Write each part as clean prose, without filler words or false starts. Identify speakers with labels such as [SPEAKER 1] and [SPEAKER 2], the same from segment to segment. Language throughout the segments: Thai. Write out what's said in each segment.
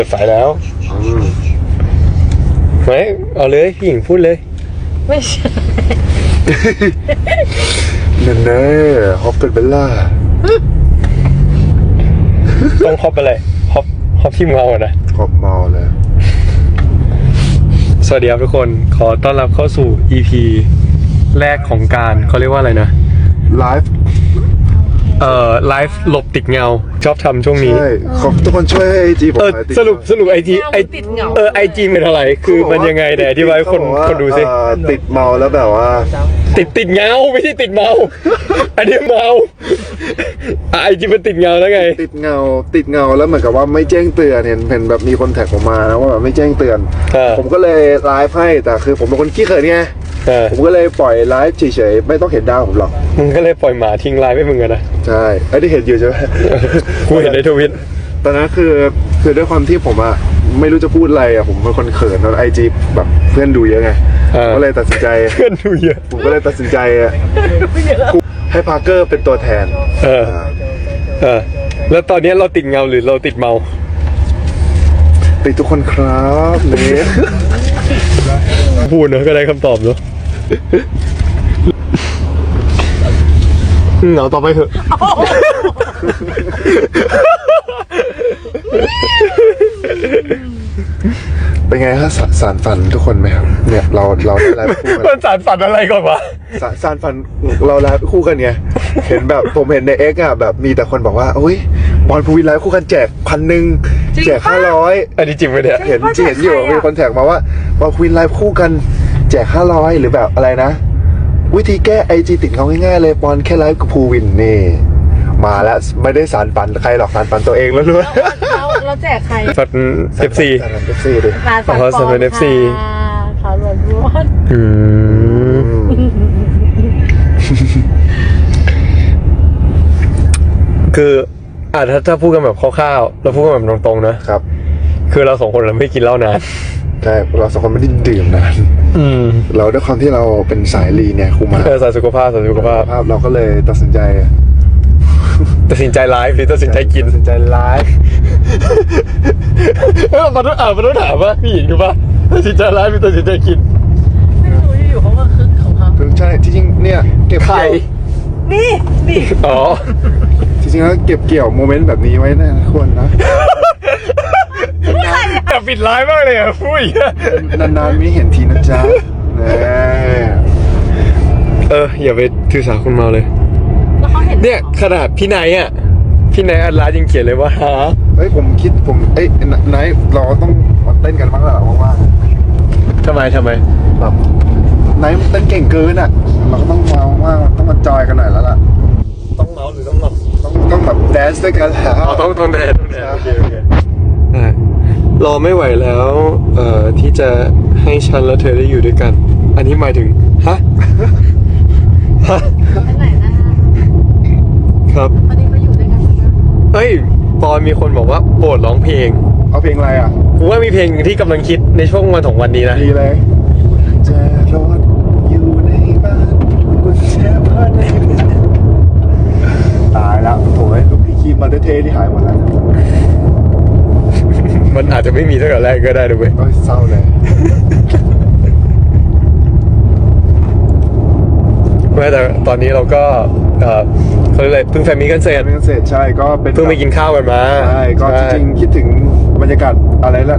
[SPEAKER 1] ปิดไฟแล้วไม่เอาเลยพี่หญิงพูดเลย
[SPEAKER 2] ไม่ใช่
[SPEAKER 3] นั่นแน่ฮอปเป็นเบลล่า
[SPEAKER 1] ต้องฮอปอะไรฮอปที่เมาอ่ะนะ
[SPEAKER 3] ฮอปเมาเลย
[SPEAKER 1] สวัสดีครับทุกคนขอต้อนรับเข้าสู่ EP แรกของการเขาเรียกว่าอะไรนะ
[SPEAKER 3] ไลฟ์
[SPEAKER 1] ไลฟ์หลบติดเงาชอบทำช่วงนี้
[SPEAKER 3] ใช่ขอบทุกคนช่วยไอจีผม
[SPEAKER 1] สรุปไอจีไอจีเป็นอะไรคือมันยังไงแต่อธิบายให้คนดูสิ
[SPEAKER 3] ติดเมาแล้วแบบว่า
[SPEAKER 1] ติดเงาไม่ใช่ติดเมาอันนี้เมาไอจีมันติดเงาแล้วไง
[SPEAKER 3] ติดเงาแล้วเหมือนกับว่าไม่แจ้งเตือนเห็นแบบมีคนแท็กผมมานะว่าแบบไม่แจ้งเตือนผมก็เลยไลฟ์ให้แต่คือผมเป็นคนขี้เขินไงผมก็เลยปล่อยไลฟ์เฉยๆไม่ต้องเห็นดาวผมหรอก
[SPEAKER 1] มึงก็เลยปล่อยหมาทิ้งไลฟ์ให้มึงกันนะ
[SPEAKER 3] ใช่ไอ้ที่เห็นอยู่ใช่ไหม
[SPEAKER 1] กูเห็นในทวิต
[SPEAKER 3] ตอนนั้นคือด้วยความที่ผมอะไม่รู้จะพูดอะไรอะผมเป็นคนเขินตอนไอจีแบบเพื่อนดูเยอะไงก็เลยตัดสินใจ
[SPEAKER 1] เพื่อนดูเยอะ
[SPEAKER 3] ผมก็เลยตัดสินใจให้พาร์เกอร์เป็นตัวแทน
[SPEAKER 1] แล้วตอนนี้เราติดเงาหรือเราติดเมา
[SPEAKER 3] ติดทุกคนครับเนี่ย
[SPEAKER 1] พูดเนอะก็ได้คำตอบเนอะเหงาต่อไปเถอะ
[SPEAKER 3] เป็นไงฮะสารฝันทุกคนไหมครับเนี่ยเราได้ไลฟ์คู่กัน
[SPEAKER 1] มันสารฝันอะไรก่อนวะ
[SPEAKER 3] สารฝันเราไลฟ์คู่กันไงเห็นแบบผมเห็นในเอ็กอะแบบมีแต่คนบอกว่าอุ้ยบอลภูวินไลฟ์คู่กันแจก1,000แจก500
[SPEAKER 1] อันนี้จริงไหมเนี่ย
[SPEAKER 3] เห็นอยู่มีคนแท็กมาว่าบอลภูวินไลฟ์คู่กันแจก500หรือแบบอะไรนะวิธีแก้ไอจีติดเขาง่ายๆเลยบอลแค่ไลฟ์กับภูวินนี่มาแล้วไม่ได้สารฝันใครหรอกสารฝันตัวเองแล้วด้วย
[SPEAKER 2] เราแจกใคร
[SPEAKER 1] ฝัน FC
[SPEAKER 3] ดิ
[SPEAKER 1] ขอสมัย FC
[SPEAKER 2] เขาหลวงพ่อ
[SPEAKER 1] คือถ้าพูดกันแบบคร่าวๆเราพูดกันแบบตรงๆนะครับคือเราสองคนเราไม่กินเหล้านาน
[SPEAKER 3] ใช่เราสองคนไม่ได้ดื่มนานเราด้วยความที่เราเป็นสายลีเนี่ยคุมา
[SPEAKER 1] สายสุขภาพ
[SPEAKER 3] เราก็เลยตัดสินใจ
[SPEAKER 1] ไลฟ์หรือตัดสินใจกิน
[SPEAKER 3] ตัดสินใจไลฟ์
[SPEAKER 1] มันต้องถามว่าพี่หญิงดูป่ะตัดสินใจไลฟ์หรือตัดสินใจกิน
[SPEAKER 2] ไม่รู้อยู่เขาก็คึกของเขา
[SPEAKER 3] ใช่ที่จริงเนี่ยเก็บ
[SPEAKER 1] ไข่
[SPEAKER 2] นี่
[SPEAKER 1] อ๋อ
[SPEAKER 3] จริงๆแล้วเก็บเกี่ยวโมเมนต์แบบนี้ไว้นะควรนะ
[SPEAKER 1] แต่ปิดไลฟ์มากเลยอ่ะพูด
[SPEAKER 3] นานๆไม่เห็นทีนะจ๊ะ
[SPEAKER 1] อย่าไปถือสาคุณเมาเลยเนี่ยขนาดพี่ไนท์อัดไลฟ์ยังเขียนเลยว่าฮะ
[SPEAKER 3] ผมไนท์เราต้องมาเต้นกันบ้างแล้วว่าง
[SPEAKER 1] ๆทำไม
[SPEAKER 3] แบบไนท์เต้นเก่งเกินอ่ะเราก็ต้องต้องมาจอยกันหน่อยแล้วล่ะ
[SPEAKER 1] ต้องเมาหรือต้อง
[SPEAKER 3] แบบแดนซ์ด้วยกันแล้ว
[SPEAKER 1] ต้องแดนซ์โอเครอไม่ไหวแล้วที่จะให้ฉันและเธอได้อยู่ด้วยกันอันนี้หมายถึงฮะ
[SPEAKER 2] ไปไหนนะครับวันนี้มาอยู่ด้วยกัน
[SPEAKER 1] ปอนมีคนบอกว่าโปรดร้องเพลง
[SPEAKER 3] เอาเพลงอะไรอ่ะ
[SPEAKER 1] ผมว่ามีเพลงที่กำลังคิดในช่วงวันของวันนี้นะ
[SPEAKER 3] ดีเลยจะรอดอยู่ในบ้านกุญแจบ้านตายแล้วโถ่ลูกพี่คีมมาเท่ๆที่หายหมดแล้ว
[SPEAKER 1] มันอาจจะไม่มีตั้งแต่แรกก็ได้ด้วย
[SPEAKER 3] เศร้าเลย
[SPEAKER 1] แต่ตอนนี้เราก็เขาเลยเพิ่งแฟนมีกันเสร็จ
[SPEAKER 3] ใช่ก็เป็น
[SPEAKER 1] เพิ่งไปกินข้าวกันมา
[SPEAKER 3] ใช่ก็จริงๆคิดถึงบรรยากาศอะไรแล้ว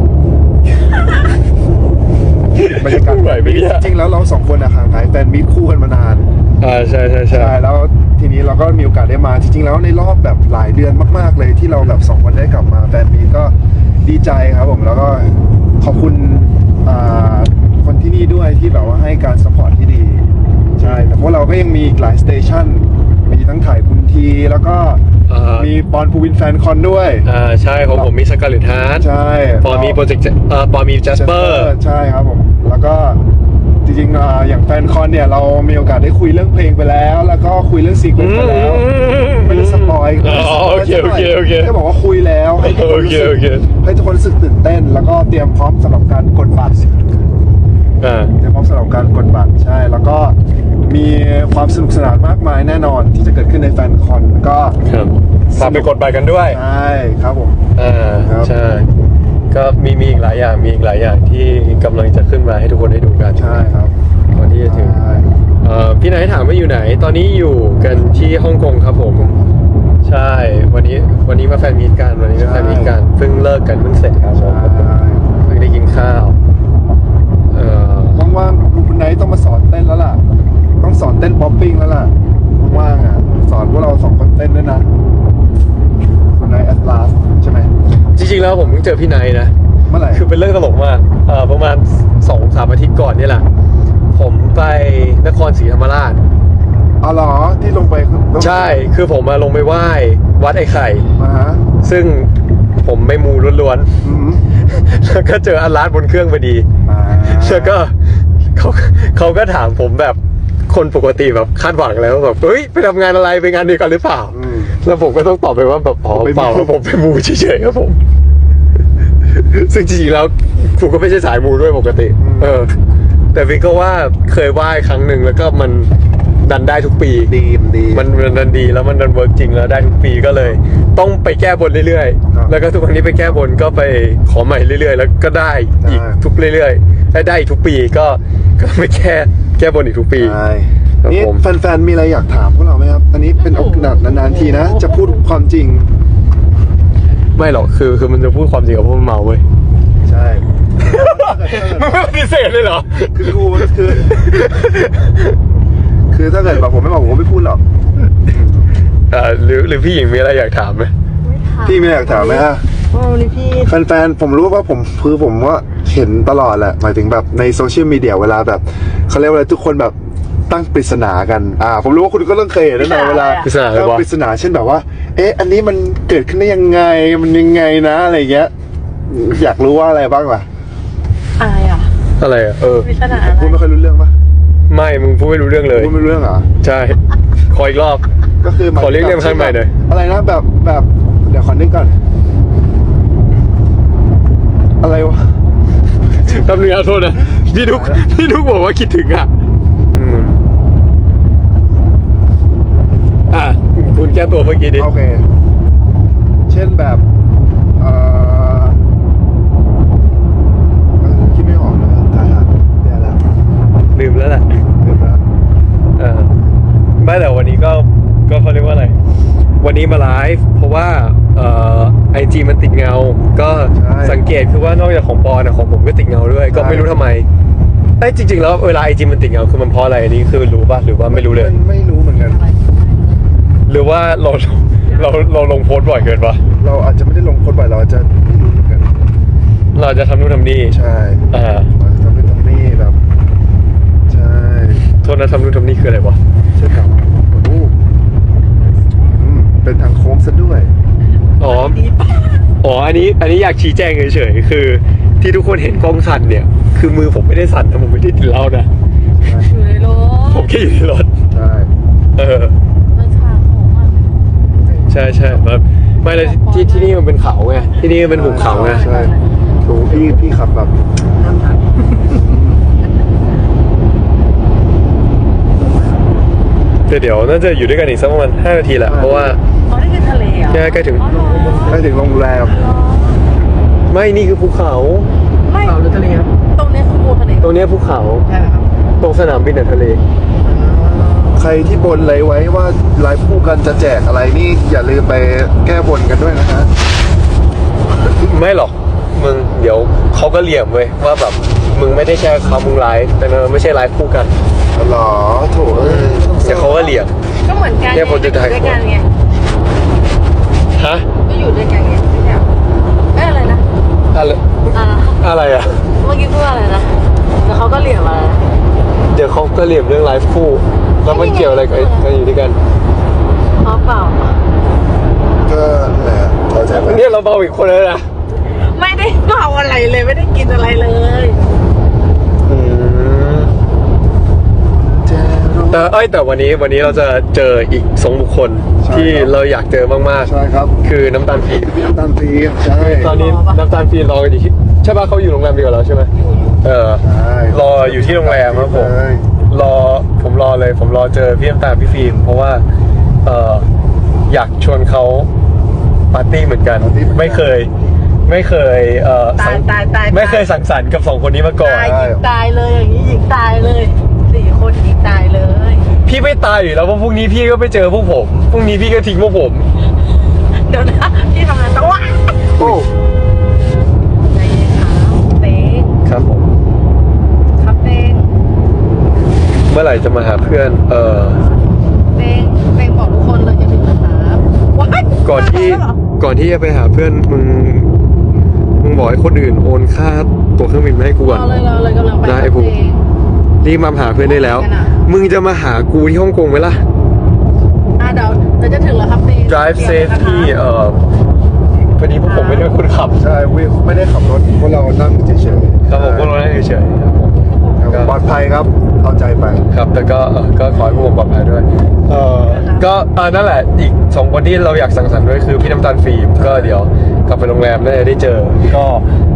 [SPEAKER 3] บรรยากาศจริงแล้วเราสองคนห่างหายแฟนมีคู่กันมานาน
[SPEAKER 1] ใช่
[SPEAKER 3] แล้วทีนี้เราก็มีโอกาสได้มาจริงๆแล้วในรอบแบบหลายเดือนมากๆเลยที่เราแบบสองคนได้กลับมาแฟนมีก็ดีใจครับผมแล้วก็ขอบคุณคนที่นี่ด้วยที่แบบว่าให้การซัพพอร์ตที่ดีใช่แต่พวกเราก็ยังมีอีกหลายสเตชันมีทั้งถ่ายคุณทีแล้วก็มีปอนภูวินแฟนคอนด้วย
[SPEAKER 1] ใช่ของผมมีสกาเลตฮาร์ท
[SPEAKER 3] ใช่
[SPEAKER 1] ปอนมีโปรเจกต์ปอนมีแจสเปอร์
[SPEAKER 3] ใช่ครับผมแล้วก็จริงๆอย่างแฟนคอนเนี่ยเรามีโอกาสได้คุยเรื่องเพลงไปแล้วก็คุยเรื่องซีเควนซ์ไปแล้วไม่ได้สปอย
[SPEAKER 1] โอเค
[SPEAKER 3] แค่บอกว่าคุยแล้วให้ทุกคนรู้สึกตื่นเต้นแล้วก็เตรียมพร้อมสำหรับการกดบัตรสำหรับการกดบัตรใช่แล้วก็มีความสนุกสนานมากมายแน่นอนที่จะเกิดขึ้นในแฟนคอนก็
[SPEAKER 1] ฝากไปกดบัตรกันด้วย
[SPEAKER 3] ใช่ครับผม
[SPEAKER 1] ใช่ก็มีอีกหลายอย่างมีอีกหลายอย่างที่กำลังจะขึ้นมาให้ทุกคนได้ดูกัน
[SPEAKER 3] ใช่ครับ
[SPEAKER 1] ก่อนที่จะถึง
[SPEAKER 3] ใช่
[SPEAKER 1] พี่ไหนถามว่าอยู่ไหน ตอนนี้อยู่กันที่ฮ่องกงครับผม ใช่ วันนี้มาแฟนมีตกันวันนี้มาแฟนมีตกันเพิ่งเลิกกันเพิ่งเสร็จครับผมเพิ่งได้กินข้าว
[SPEAKER 3] ว่างๆคุณไนท์ต้องมาสอนเต้นแล้วล่ะ ต้องสอนเต้นป๊อปปิ้งแล้วล่ะว่างๆอ่ะสอนพวกเรา2 คนเต้นด้วยนะคุณไนท์แอดลาสใช่ไหม
[SPEAKER 1] จริงๆแล้วผมเพิ่งเจอพี่ไนท์นะ
[SPEAKER 3] เมื่อไหร่
[SPEAKER 1] คือเป็นเรื่องตลกมากประมาณ 2-3 อาทิตย์ก่อนนี่แหละ ผมไปนครศรีธรรมราช
[SPEAKER 3] อ๋อเหรอที่ลงไป
[SPEAKER 1] ใช่คือผมมาลงไปไหว้วัดไอ้ไข่
[SPEAKER 3] มาฮะ
[SPEAKER 1] ซึ่งผมไม่มูล้วน
[SPEAKER 3] อืม
[SPEAKER 1] ๆ แล้วก็เจออันลาดบนเครื่องพอดี แล้วก็เขาก็ถามผมแบบคนปกติแบบคาดหวังแล้วแบบเฮ้ยไปทำงานอะไรไปงานเดียวกันหรือเปล่า
[SPEAKER 3] อืม
[SPEAKER 1] แล้วผมก็ต้องตอบไปว่าแบบอ๋อ
[SPEAKER 3] ผมไปมู
[SPEAKER 1] เปล่าผมไปมูเฉยๆครับผม ซึ่งจริงๆแล้วผมก็ไม่ใช่สายมูด้วยปกติ แต่วินก็ว่าเคยไหว้ครั้งหนึ่งแล้วก็มันดันได้ทุกปี
[SPEAKER 3] ดี
[SPEAKER 1] มันดันดีแล้วมันดันเวิร์กจริงแล้วได้ทุกปีก็เลย ต้องไปแก้บนเรื่อย
[SPEAKER 3] ครับ
[SPEAKER 1] ๆ แล้วก็ทุกครั้งที่ไปแก้บนก็ไปขอใหม่เรื่อยๆ แล้วก็ได้อีก
[SPEAKER 3] ได้
[SPEAKER 1] ทุกเรื่อยๆได้อีกทุกปีก็ไปแก้บนอีกทุกปี
[SPEAKER 3] ใช่
[SPEAKER 1] ครับ
[SPEAKER 3] นี่
[SPEAKER 1] ผม
[SPEAKER 3] แฟนๆมีอะไรอยากถามพวกเราไหมครับ อันนี้เป็นโอกาสนานๆทีนะ จะพูดความจริง
[SPEAKER 1] ไม่หรอกคือมันจะพูดความจริงกับพวกมันเมาเว้ย
[SPEAKER 3] ใช่
[SPEAKER 1] มันไม่ปฏิเสธเลยเหรอ
[SPEAKER 3] คือถ้าเกิดแบบผมไม่บอกผมก็ไม่พูดหรอก
[SPEAKER 1] หรือพี่หญิงมีอะไรอยากถามไหม
[SPEAKER 2] ไม่ถาม
[SPEAKER 3] พี่ไม่อยากถามไหมฮะ
[SPEAKER 2] วันนี้พี่
[SPEAKER 3] แฟนๆผมรู้ว่าผมว่าเห็นตลอดแหละหมายถึงแบบในโซเชียลมีเดียเวลาแบบเขาเรียกว่าอะไรทุกคนแบบตั้งปริศนากันผมรู้ว่าคุณก็ต้องเคยเห็นแน่นอนเวลา
[SPEAKER 1] ปริศนาอะไร
[SPEAKER 3] ตั้ง
[SPEAKER 1] วะ
[SPEAKER 3] ปริศนาเช่นแบบว่า อันนี้มันเกิดขึ้นได้ยังไงมันยังไงนะอะไรเงี้ยอยากรู้ว่าอะไรบ้างล่ะ
[SPEAKER 2] อะไรอ่ะ
[SPEAKER 1] อะไรอ่ะ
[SPEAKER 2] วิชาอะไร
[SPEAKER 3] พูดไม่ค่อยรู้เรื่องปะ
[SPEAKER 1] ไม่มึงพูดไม่รู้เรื่องเลย
[SPEAKER 3] พูดไม่รู้เรื่องเหรอ
[SPEAKER 1] ใช่ขออีกรอบ
[SPEAKER 3] ก็คือหมาย
[SPEAKER 1] ขอเรียกเรื่องข้างในหน่อย
[SPEAKER 3] อะไรนะแบบเดี๋ยวขอนึกก่อนอะไรวะ
[SPEAKER 1] แป๊บนึงนะโทษนะพี่นุกบอกว่าคิดถึงอ่ะคุณแก้ตัวเมื่อกี้ดิ
[SPEAKER 3] โอเค เช่นแบบคิดไม่ออกนะถ่ายเดี๋ยวแล้ว
[SPEAKER 1] ลืมแล้วแหละ
[SPEAKER 3] เดี๋ยวแล้ว
[SPEAKER 1] ไม่แต่วันนี้ก็เขาเรียกว่าอะไร วันนี้มาไลฟ์เพราะว่าIG มันติดเงา ก็สังเกตคือว่านอกจากของปอนของผมก็ติดเงาด้วย ก็ไม่รู้ทำไมจริงๆแล้วเวลา IG มันติดเงาคือมันเพราะอะไรอันนี้คือรู้ป่ะหรือว่าไม่รู้เลย
[SPEAKER 3] ไม่รู้เหมือนกัน
[SPEAKER 1] หรือว่าเราลงโพสต์บ่อยเกินปะ
[SPEAKER 3] เราอาจจะไม่ได้ลงโพสต์บ่อยเราอาจจะไม่รู้เหมือนกัน
[SPEAKER 1] เราจะทำนู่นทำนี่
[SPEAKER 3] ใช่ ทำเป็นตรงนี้แบบใช่
[SPEAKER 1] โทษนะทำนู่นทำนี่คืออะไรวะ
[SPEAKER 3] เช่นแบบโอ้โหเป็นทางโค้งซะด้วย
[SPEAKER 1] อ๋ออันนี้อยากชี้แจงเฉยๆคือที่ทุกคนเห็นกล้องสั่นเนี่ย คือมือผมไม่ได้สั่นนะผมไม่ได้ติดเหล้านะ
[SPEAKER 2] อยู่ในรถ
[SPEAKER 1] ผมแค่อยู่ในรถ
[SPEAKER 3] ใช่
[SPEAKER 2] ราคาของมัน
[SPEAKER 1] ใช่แบบไม่เลยที่นี่มันเป็นเขาไงที่นี่มันเป็นหุบเขาไง
[SPEAKER 3] ใช่โอ้พี่ขับแบบ
[SPEAKER 1] เดี๋ยวน่าจะอยู่ด้วยกันอีกสักประมาณ5 นาทีแหละเพราะว่า
[SPEAKER 2] เขาได้กินทะเลอ่ะ
[SPEAKER 1] ใกล้ถึง
[SPEAKER 3] ได้ถึงโรงแรม
[SPEAKER 1] ไม่นี่คือภูเขา
[SPEAKER 2] ไม่
[SPEAKER 4] เขาหรือทะเลครับ
[SPEAKER 2] ตรงนี้คือปูทะเล
[SPEAKER 1] ตรงเนี้ยภูเขา
[SPEAKER 4] ใช่เหรอครับ
[SPEAKER 1] ตรงสนามบินทะเล
[SPEAKER 3] ใครที่บนอะไรไว้ว่าไลฟ์คู่กันจะแจกอะไรนี่อย่าลืมไปแก้บนกันด้วยนะฮะ
[SPEAKER 1] ไม่หรอกมึงเดี๋ยวเขาก็เหลี่ยมเว้ยว่าแบบมึงไม่ได้แค่เขามึงไลฟ์แต่มันไม่ใช่ไลฟ์คู่กัน
[SPEAKER 3] หรอโถ
[SPEAKER 1] เดี๋ยวเขาก็เหลี่ยม
[SPEAKER 2] ก็เหมือนกัน
[SPEAKER 1] เนี่ยผมจะถ่าย
[SPEAKER 2] ด้วยกันไง
[SPEAKER 1] ฮะ
[SPEAKER 2] ก็อยู่ด้วยกันไงไม่ใช่อะไรนะ
[SPEAKER 1] อะไรอ่ะ
[SPEAKER 2] เมื่อกี้พูดอะไรนะแล้วเขาก็เหลี่ยมอะไรนะ
[SPEAKER 1] เดี๋ยวเขาก็เหลี่ยมเรื่องไลฟ์คู่แล้วมันเกี่ยวอะไรกับอยู่ด้วยกัน
[SPEAKER 2] อ๋อเปล่า
[SPEAKER 3] ก็แหละเข้าใจไหม
[SPEAKER 1] เนี่ยเราเบาอีกคนแล้วนะ
[SPEAKER 2] ไม่ได้เมาอะไรเลยไม่ได้กินอะไรเลย
[SPEAKER 1] แต่วันนี้เราจะเจออีก2 บุคคลที่เราอยากเจอมาก
[SPEAKER 3] ใช่ครับ
[SPEAKER 1] ๆคือน้ำตาลฟีน
[SPEAKER 3] พี่น้ำตาลปี๊บใช่
[SPEAKER 1] ตอนนี้น้ำตาลฟีนรอกันอยู่ที่ใช่ป่ะเขาอยู่โรงแรมเดียวกับเราใช่ไหม
[SPEAKER 3] ใช่
[SPEAKER 1] รออยู่ที่โรงแรมครับผม
[SPEAKER 3] ใช่
[SPEAKER 1] ผมรอเจอพี่น้ำตาลพี่ฟิล์มเพราะว่าอยากชวนเขาปาร์ตี้เหมือนกันไม่เคยไม่เคย
[SPEAKER 2] ตายตายตาย
[SPEAKER 1] ไม่เคยสังสรรค์กับสองคนนี้มาก่อน
[SPEAKER 2] ตายหญิงตายเลยอย่างนี้หญิงตายเลย4 คนหญิงตายเลย
[SPEAKER 1] พี่ไม่ตายอยู่แล้วเพราะพรุ่งนี้พี่ก็ไปเจอพวกผมพรุ่งนี้พี่ก็ทิ้งพวกผม
[SPEAKER 2] เดี๋ยวนะพี่ทำอะไรต้องวะ
[SPEAKER 3] โอ้
[SPEAKER 2] ใจเย็นครับเต้ง
[SPEAKER 1] ครับผม
[SPEAKER 2] ครับเต้ง
[SPEAKER 1] เมื่อไหร่จะมาหาเพื่อน
[SPEAKER 2] เต้งบอกทุกคนเลยจะถึงนะครับว้าย
[SPEAKER 1] ก่อนที่จะไปหาเพื่อนมึงบอกให้คนอื่นโอนค่าตั๋วเครื่องบินมาให้กูก่อน
[SPEAKER 2] รอเลยกำลังไป
[SPEAKER 1] ได้ไอ้ภูมิ รีบมาหาเพื่อนได้แล้ว มึงจะมาหากูที่ฮ่องกงไหมล่ะ
[SPEAKER 2] เดี๋ยวจะถึงแล้วครับเต้ง
[SPEAKER 1] drive safety พอดีพวกผมไม่ได้เป็นคนขับ
[SPEAKER 3] ใช่ไม่ได้ขับรถพวกเรานั่งเฉยๆ
[SPEAKER 1] ครับผมพวกเราได้เฉยๆครับผม
[SPEAKER 3] ปลอดภัยครับเอาใจไป
[SPEAKER 1] ครับแล้วก็ขอให้พวกผมปลอดภัยด้วยก็นั่นแหละอีก2 คนที่เราอยากสังสรรค์ด้วยคือพี่น้ำตาลฟิล์มก็เดี๋ยวกลับไปโรงแรมน่าจะได้เจอก็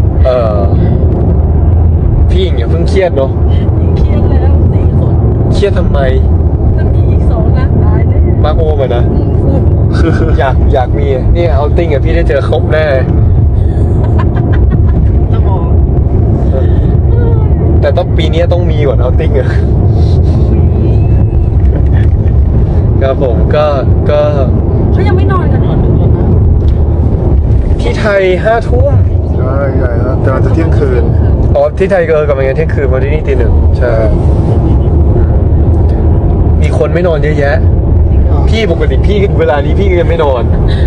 [SPEAKER 1] พี่หญิงอย่าเพิ่งเครียดเนาะ
[SPEAKER 2] เครียดแล้ว4 คน
[SPEAKER 1] เครียดทำไม
[SPEAKER 2] ถ้ามีอีก2นะตายแน่
[SPEAKER 1] มาโอมานะ อยากมีนี่เอาติ้งกับพี่ได้เจอครบแน่
[SPEAKER 2] สมอง
[SPEAKER 1] แต่ต้องปีนี้ต้องมีก่อนเอาติ้งอะครับผมก็
[SPEAKER 2] เขายังไม่นอนกันเหรอดึกแล้วนะ
[SPEAKER 1] ที่ไทย5 ทุ่ม
[SPEAKER 3] ใช่ใช่ครับแต่มันจะเที่ยงคืน
[SPEAKER 1] อ๋อที่ไทยกำลังเที่ยงคืนมาที่นี่ตี 1ใช่มีคนไม่นอนเยอะแยะ พี่ปกติพี่เวลานี้พี่ก็ยังไม่นอน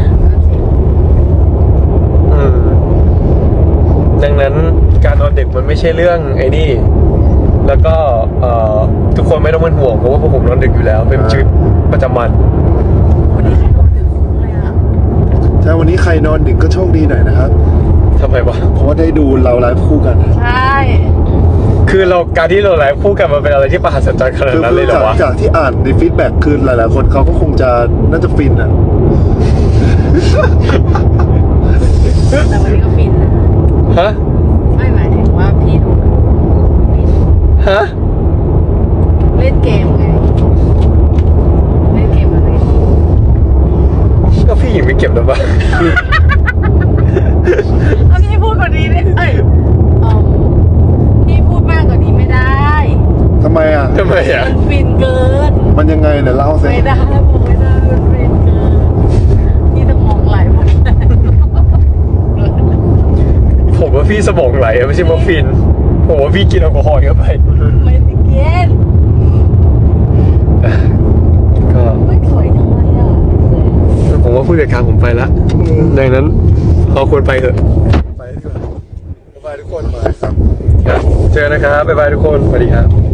[SPEAKER 1] ดังนั้นการนอนดึกมันไม่ใช่เรื่องไอ้นี่ แล้วก็ทุกคนไม่ต้องเป็นห่วงเพราะว่าพวกผมนอนดึกอยู่แล้ว เป็นชีวิตประจำวัน
[SPEAKER 2] วันนี้ใครนอนดึกเลยอะ
[SPEAKER 3] ถ้าวันนี้ใครนอนดึกก็โชคดีหน่อยนะครับ
[SPEAKER 1] ทำไมวะ
[SPEAKER 3] เพราะว่าได้ดูเราไลฟ์คู่กัน
[SPEAKER 2] ใช่
[SPEAKER 1] คือการที่เราไลฟ์คู่กันมันเป็นอะไรที่ประหัศจรรย์ขนาดนั้นเลยเหรอวะ
[SPEAKER 3] จากที่อ่านในฟีดแบ็กคือหลายๆคนเขาก็คงจะน่าจะฟินอ่ะ
[SPEAKER 2] แต่วันนี้ก็ฟินนะ
[SPEAKER 1] ฮะ
[SPEAKER 2] ไม่หมายถึงว่าพี่ดูฟิน
[SPEAKER 1] ฮะ
[SPEAKER 2] เล่นเกมไงเล่นเกมอะไร
[SPEAKER 1] ก็พี่หญิงไม่เก็บแล้วปะ
[SPEAKER 2] เอาพี่พูดกว่านี้ได้พี่พูดมากกว่านี้ไม่ได้
[SPEAKER 3] ทำไมอ่ะ
[SPEAKER 1] ทำไมอ่ะ
[SPEAKER 2] มันฟินเกิน
[SPEAKER 3] มันยังไงเนี่ยเล่าสิ
[SPEAKER 2] ไม่ได้ผมไม่ได้มันฟินเกินพี่ต้องมองไหลหมด
[SPEAKER 1] ผมว่าพี่สมองไหลอะไม่ใช่มอร์ฟินผมว่าพี่กินแอลกอฮอล์เยอะไป
[SPEAKER 2] ไม่ได้เก็ต
[SPEAKER 1] ก็
[SPEAKER 2] ไม่สวยจังเลยอ่ะ
[SPEAKER 1] ผมว่าผู้จัดการผมไปละดังนั้นเราควรไปเถอะ
[SPEAKER 3] ไปดีกว่าบ๊ายบายทุกคนมาครับ
[SPEAKER 1] ครับเจอนะครับบ๊ายบายทุกคนสวัสดีครับ